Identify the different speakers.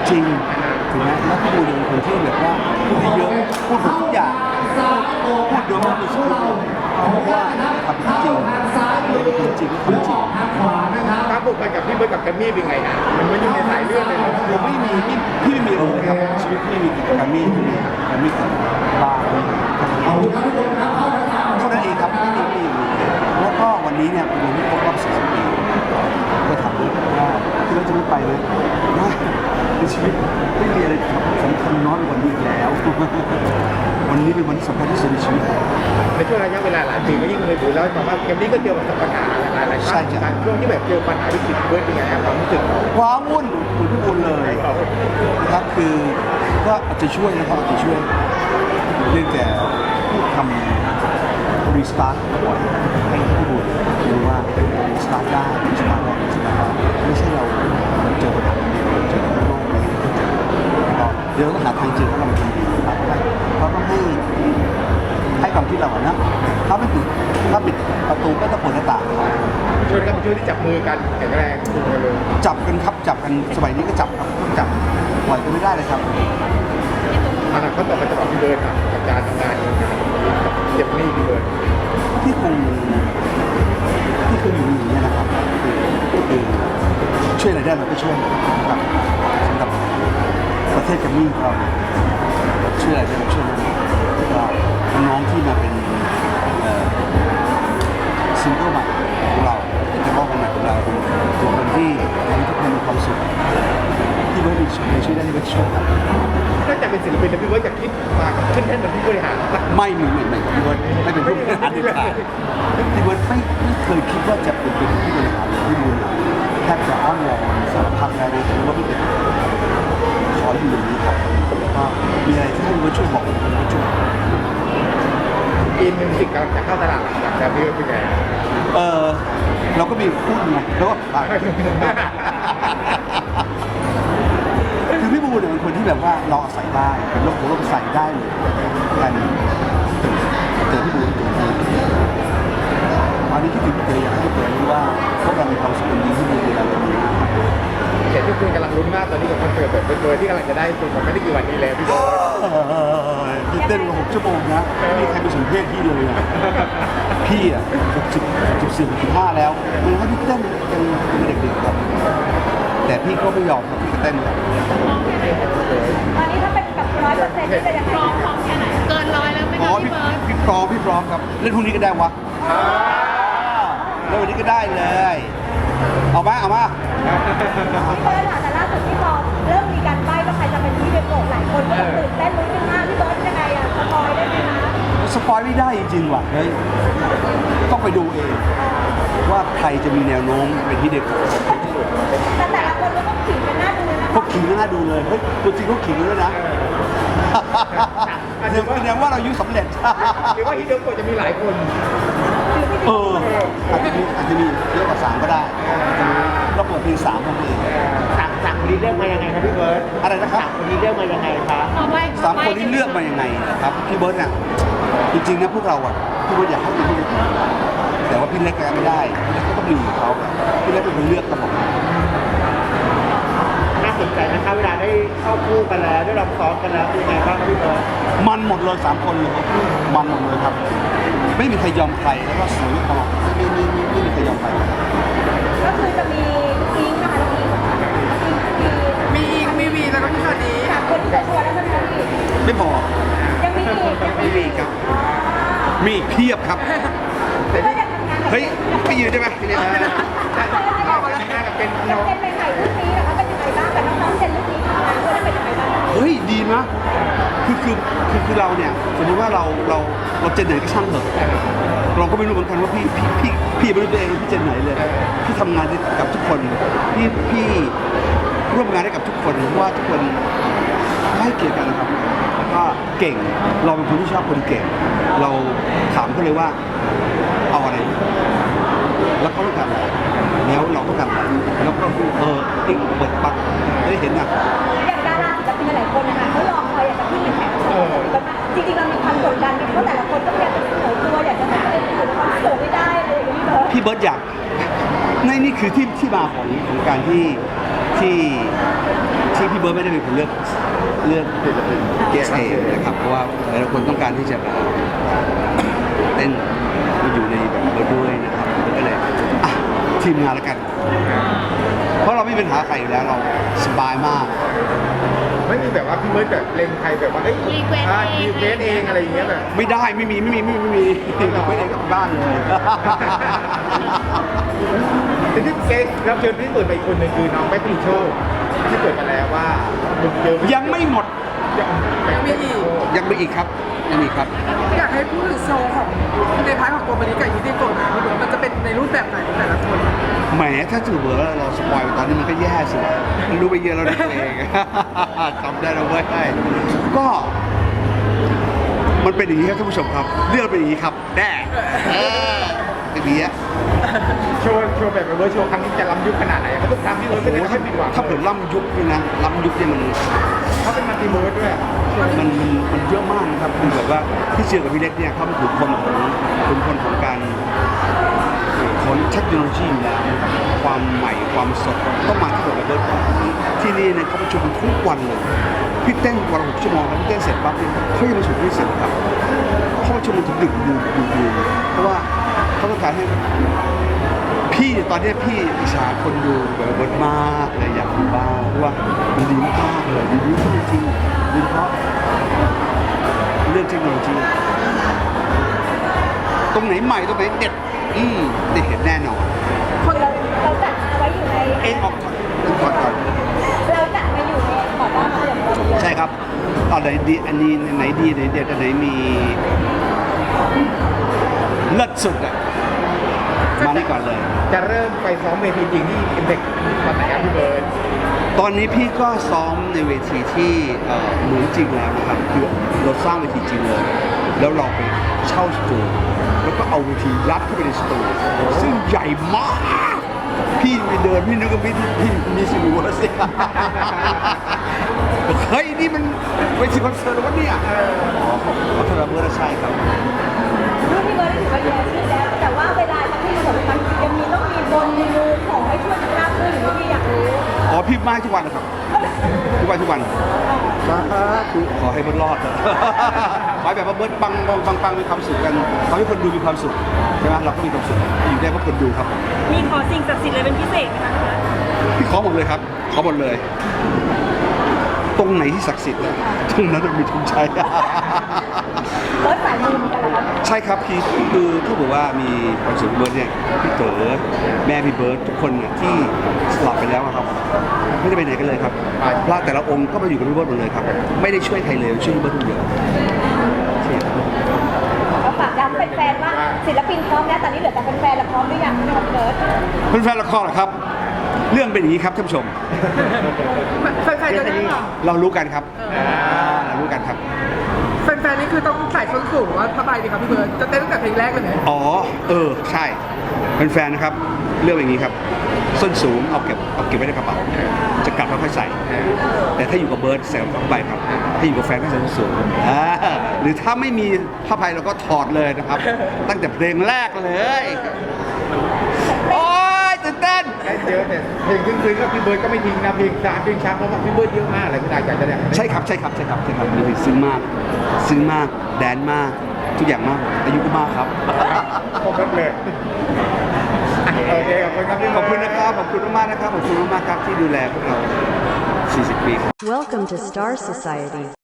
Speaker 1: จริงถูกไหมแล้วพี่บูเป็นคนที่แบบว่าพูดเยอะพูดหมดทุกอย่างพูดโดยไม่มีสคริปต์เพราะว่าทำจริงเป็นคนจริงทำจริง
Speaker 2: ครับผูกพันกับพี่เบิร์ดกับแกมมี่เป็นไงนะมันไม่อยู่ในสายเลือดเลยนะ
Speaker 1: ผมไม่มีพี่ไม่มีเลยครับชีวิตพี่มีกิจกรรมมีแต่บาร์เท่านั้นเองครับไม่มีแล้วก็วันนี้เนี่ยเป็นวันที่ครบรอบ40 ปีก็ถามว่าที่เราจะไม่ไปเลยว่าในชีวิตไม่มีอะไรสำคัญน้อยกว่านี้อีกแล้ววันนี้เป็นวันที่สำคัญที่สุดในชีวิต
Speaker 2: ในช่วงระยะเวลาหลายปีก็ยิ่งเคยดูแล้วบอกว่าแกมมี่ก็เจอประสบปัญหาหลายๆครั้งการช่วงที่แบบเจอปัญหาวิกฤตเบิร์ดเป็นไงครับความรู้สึก
Speaker 1: ว้าวุ่นคุณพี่บุญเลยนะครับคือก็อาจจะช่วยนะครับอาจจะช่วยเรื่องแต่ทำรีสตาร์ทบ่อยให้พี่บุญรู้ว่ารีสตาร์ทได้รีสตาร์ทได้ไม่ใช่เราเจอปัญหาเจอโลกนี้เดี๋ยวต้องหาทางเจอว่าเราเป็นดีครับเราต้องให้ความคิดเราอะนะถ้าปิดประตูก็ต้องเปิดหน้าต่าง
Speaker 2: ช่วยกันช่วยที่จับมือกันแข็งแรงเลย
Speaker 1: จับกันครับจับกันสมัยนี้ก็จับครับจับปล่อยกันไม่ได้เลยครับ
Speaker 2: อนาคตต่อไปจะบอกพี่เบิร์ดครับกับการทำงานกับเจ็บนี่พี่เบิร์ด
Speaker 1: ที่คงอยู่อย่างนี้นะครับคือช่วยอะไรได้เราก็ช่วยนะครับสำหรับประเทศกัมมี่ของเราช่วยอะไรได้เราช่วยก็น้องที่มาเป็นซิงเกิลใหม่ของเราเป็นนักร้องใหม่ของเราเป็นคนที่ทำให้ทุกคนมีความสุขที่เบิร์ดในช่วยได้ที่เบิร์ดช่วยครับ
Speaker 2: ถ้าจะเป็นศิลปินแล้วพี่เบิร์ดจะคิดมาขึ้นแท่นเหมือนพี่บริหาร
Speaker 1: ไม่พี่เบิร์ดไม่เป็นผู้บริหารเด็ดขาดพี่เบิร์ดไม่เคยคิดว่าจะเป็นผู้บริหารพี่บูลแทบจะอ้อนวอนสารพัดแล้วนะว่าพี่เป็นขออยู่อย่างนี้ครับแล้วก็มีอะไรที่ให้พี่เบิร์ดช่วยบอกพี่เบิร์ดช่วย
Speaker 2: ปีนึงสิ่งกำลังจะเข้าตลาดหลักแต่พี่เบิร์ดเป็นไง
Speaker 1: เราก็มีหุ้นไงแล้วก็คือพี่บูเนี่ยเป็นคนที่แบบว่าเราอาศัยได้เป็นโลกของเราใส่ได้เลยกันเจอพี่บูตัวจริงตอนนี้คิดถึงเจออยากให้เจอรู้ว่าพวกเรามีความสุขดีที่บูดูแลเราดี
Speaker 2: เห็นทุกคนกำลังลุ้นมากตอนนี้กับคอนเสิร์ตแบบเบอร์ที่กำลังจะได้ตัวมันไม่ได้กี่วันนี้แล้วพี่เบิร์ด
Speaker 1: พี่เต้นมา6 ชั่วโมงนะไม่มีใครไปสัมเพศพี่เลยพี่อ่ะ64 65แล้วมันให้พี่เต้นเป็นเด็กๆครับแต่พี่ก็ไม่ยอมพี่ก็เต้นครับ
Speaker 3: ตอนนี้ถ้าเป็นกับ100%นี่จะยังพร้อมแค่ไหนเกิน100แล้วไหมคะพี่เบิร์ด
Speaker 1: พี่พร้อมครับเล่นพรุ่งนี้ก็ได้วะเล่นวันนี้ก็ได้เลยเอามา
Speaker 3: พี่เบิร์ดแต่ล่าสุดที่พอเริ่มมีการใบ้ว่าใครจะเป็นที่เด็กโกหลายคนก็ตื่นเต้นลุ้นกันมากพี่เบิร์ดยังไงอะสปอยได้ไหมคะ
Speaker 1: สปอยไม่ได้จริงๆว่ะเฮ้ยต้องไปดูเองว่าใครจะมีแนวโน้มเป็นที่เด็ก
Speaker 3: แต่ละคนก็ต้องขิงกันหน้าดูเลยนะ
Speaker 1: พวกขิงกันหน้าดูเลยเฮ้ยตัวจริงเขาขิงด้วยนะแสดงว่าเรายุสำเร็จ
Speaker 2: หรือว่าฮิโดโกะจะมีหลายคน
Speaker 1: อาจจะมีเยอะกว่า3ก็ได้เราเปิดเพลง3ของตัวเอง
Speaker 2: 3คนนี้เลือกมายังไงครับพี่เบิร์ด
Speaker 1: อะไรนะครับ
Speaker 2: 3คนนี้เลือกมายังไงครับ
Speaker 1: 3คนนี้เลือกมายังไงครับพี่เบิร์ดน่ะจริงๆนะพวกเราอ่ะพี่เบิร์ดอยากให้เป็นพี่เล็กแต่ว่าพี่เล็กก็ไม่ได้พี่เล็กก็ต้องอยู่กับเขาพี่เล็กเป็นคนเลือกครับผม
Speaker 2: น่าสนใจนะครับเวลาได้เข้าคู่กันแล้วได้ลองซ้อมกันแล้วเป็นไงบ้างครับพี่เบิร์ด
Speaker 1: มันหมดเลย3 คนเลยมันหมดเลยครับไม่มีใครยอมใครแล้วก็สวยตลอดไม่มีใครยอมใคร
Speaker 3: ก็คือจะมีอิงนะคะ
Speaker 2: มีวีแล้วก็พี่สวัสดี
Speaker 3: คนที่จะชวนแล้วจะมี
Speaker 1: ไม่พอ
Speaker 3: ยังมี
Speaker 1: อีกครับมีเพียบครับเฮ้ยไปยืนได้ไหมทีนี้
Speaker 3: เป็นน้องเป็นใหม่ๆรุ่นนี้นะคะเป็นยังไงบ้างแต่น้องๆเจนรุ่นนี้ทำงานด้วยเป็นยังไงบ้าง
Speaker 1: เฮ้ยดีนะคือเราเนี่ยสมมติว่าเราเจนไหนก็ช่างเถอะเราก็ไม่รู้เหมือนกันว่าพี่ไม่รู้ตัวเองพี่เจนไหนเลยพี่ทำงานกับทุกคนพี่ร่วมงานได้กับทุกคนว่าทุกคนให้เกียรติกันนะครับแล้วก็เก่งเราเป็นคนที่ชอบคนเก่งเราถามเขาเลยว่าเอาอะไรแล้วเขาต้องการอะไรแล้วเราต้องการอะไรแล้วก็ติ๊กเปิดปั๊บได้เห็นอ่ะ
Speaker 3: อย่างดาราศิลปินหลายคนนะคะเขารอคอยอยากจะขึ้นเป็นแขกรับเชิญจริงๆเรามีความกดดันเพราะแต่ละคนต้องอยากจะเสนอตัวอยากจะทำอะไรที่สุดความสูงไม่ได้อะไรอย่างนี้
Speaker 1: พี่เบิร์ดอยากนี่คือที่มาของการที่ที่พี่เบิร์ดไม่ได้เป็นคนเลือกเกสเองนะครับเพราะว่าหลายๆคนต้องการที่จะเต้นมาอยู่ในแบบเบิร์ดด้วยนะครับก็เลยอ่ะทีมงานแล้วกัน เพราะเราไม่มีปัญหาใครอยู่แล้วเราสบายมาก
Speaker 2: ไม่มีแบบว่าพี่เบิร์ดแบบเล็งใครแบบว่าเอ้ยรีเควสเองอะไรอย่างเงี้ยแบบ
Speaker 1: ไม่ได้ไม่มีเราไม่ได้กลับบ้านเลย
Speaker 2: แต่ที่เกสรับเชิญที่เปิดไปอีกคนหนึ่งคือน้องแม็กซ์ลิโชที่เปิดมาแล้วว่ามึงเจอ
Speaker 1: ยังไม่หมด
Speaker 2: ยังมีอีก
Speaker 1: ยังมีอีกครับยังมีครับ
Speaker 4: อยากให้พูดถึงโชว์ของในพาร์ทของตัวบริการยูนิโกะนะมันจะเป็นในรูปแบบไหนของแต่ละคน
Speaker 1: แหมถ้าถือเบอร์เราสปอยล์ไปตอนนี้มันก็แย่สิวะมันรู้ไปเยอะแล้วนะตัวเอง จำได้แล้วเว้ยก็มันเป็นอย่างนี้ครับท่านผู้ชมครับเรื่องเป็นอย่างนี้ครับแน่เป็นอย่างนี้
Speaker 2: โชว์แบบเวอร์โชว์ครั้งนี้จะล้ำยุคขนาดไหนเขาต้องทำที่เวิร์ดไม่ได้ให้ผิดหวัง
Speaker 1: ถ้าเกิดล่ำยุคนี่นะล่ำยุคเนี่ยมัน
Speaker 2: เขาเป็นมัลติเวิร์ดด้วย
Speaker 1: มันเยอะมากนะครับคือแบบว่าพี่เชื่อกับพี่เล็กเนี่ยเขาเป็นคนของการของเทคโนโลยีอยู่แล้วนะครับความใหม่ความสดต้องมาที่ระเบิดก่อนที่นี่เนี่ยเขาประชุมทุกวันเลยพี่เต้นวันละ6 ชั่วโมงครับพี่เต้นเสร็จปั๊บเนี่ยเขายังประชุมไม่เสร็จครับเขาประชุมถึงดึกดูเพราะว่าเขาต้องการให้พี่เนี่ยตอนนี้พี่อิจฉาคนดูแบบเบิร์ดมากเลยอยากดูบ้างเพราะว่ามันดีมากเลยดีมากจริงดีเพราะเรื่องเทคโนโลยีตรงไหนใหม่ตรงไหนเด็ดได้เห็นแน่นอน
Speaker 3: คนเราจัดไว้อยู่ใน
Speaker 1: เอ็นออกก่อน
Speaker 3: เราจัดมาอยู่ในขอต้อนรับอย่างเดียว
Speaker 1: ใช่ครับตอนไหนดีอันนี้ไหนดีไหนเด็ดอันไหนมีเลิศสุดอ่ะมานี่ก่อนเลย
Speaker 2: จะเริ่มไปซ้อมเวทีจริงที่อินเด็กตอนไหนครับพี่เบิร์ด
Speaker 1: ตอนนี้พี่ก็ซ้อมในเวทีที่เหมือนจริงแล้วนะครับคือเราสร้างเวทีจริงเลย แล้วเราไปเช่าสตูแล้วก็เอาเวทียัดเข้าไปในสตูซึ่งใหญ่มาก พี่ไปเดินพี่นึกว่าพี่มีสิริวัฒน์สิเฮ้ยนี่มันเวทีคอนเสิร์ตวะเนี่ยขอโทษนะเบอร์ใช่ครับ
Speaker 3: รูปพี่เบิร์ดถือว่าเยอะชื่อแล้วแต่ว่าเวลาจะที่ประสบความสำเร็จยังมีต้องมีบนมีมูของให้ช่วยกันราบรื่นหรือว่าพี่อยากรู้
Speaker 1: อ๋อพี่มาทุกวันนะครับทุกวันสาธุขอให้เบิร์ดรอดนะขอให้แบบว่าเบิร์ดปังมีความสุขกันขอให้คนดูมีความสุขใช่ไหมเราก็มีความสุขอยู่ได้เพราะคนดูครับ
Speaker 4: มีขอสิ่งศักดิ์สิทธิ์อะไรเป็นพิเศษไหมคะ
Speaker 1: พี่ขอหมดเลยครับขอหมดเลย ตรงไหนที่ศักดิ์สิทธิ์ตรงนั้นมีทุนใช้
Speaker 3: เบิร์ดสายมูเหมือนกันเหรอครับ
Speaker 1: ใช่ครับพี่คือถ้าบอกว่ามีคอนเสิร์ตเบิร์ดเนี่ยพี่เต๋อแม่พี่เบิร์ดทุกคนเนี่ยที่สลับไปแล้วอะครับไม่ได้ไปไหนกันเลยครับพระแต่ละองค์ก็มาอยู่กับพี่เบิร์ดหมดเลยครับไม่ได้ช่วยใครเลยช่วยพี่เบิร์ดคนเดียว
Speaker 3: เราฝากย้ำแฟนๆว่าศิลปินพร้อมแล้วตอนนี้เหลือแต่แฟนๆแล้วพร้อมหรือยังพี่เบิร์ด
Speaker 1: แฟนๆละครเหรอครับ เรื่องเป็นอย่างนี้ครับท่านผู้ชม
Speaker 4: แฟนๆจะได้หรอ
Speaker 1: เรารู้กันครับเรารู้กันครับ
Speaker 4: แฟนๆนี่คือต้องใส่ส้นสูงว่าผ้าใบดีครับพี่เบิร์ดจะเต้นตั้งแต่เพลงแรกเลยเนี่ย
Speaker 1: อ๋อใช่แฟนๆนะครับเรื่องอย่างนี้ครับส้นสูงเอาเก็บไว้ในกระเป๋าจะกลับแล้วค่อยใส่แต่ถ้าอยู่กับเบิร์ดใส่ผ้าใบครับถ้าอยู่กับแฟนก็ใส่ส้นสูงหรือถ้าไม่มีผ้าใบเราก็ถอดเลยนะครับ ตั้งแต่เพลงแรกเลยโอ๊ยตื่นเต้น
Speaker 2: ได้เยอะแต่เพลงซึ้งๆก็พี่เบิร์ดก็ไม่ทิ้งนะเพลงช้าเพราะว่าพี่เบิร์ดเยอะมากเลยคุณอาจารย์จะได้
Speaker 1: ใช่ครับมีซึ้งมากแดนมากทุกอย่างมากอายุก็มากครับ
Speaker 2: ครบเลยโอเคขอบคุณครับพี่
Speaker 1: ขอบคุณนะครับขอบคุณมากๆนะครับขอบคุณมากๆครับที่ดูแลพวกเรา 40 ปี
Speaker 5: Welcome to Star Society.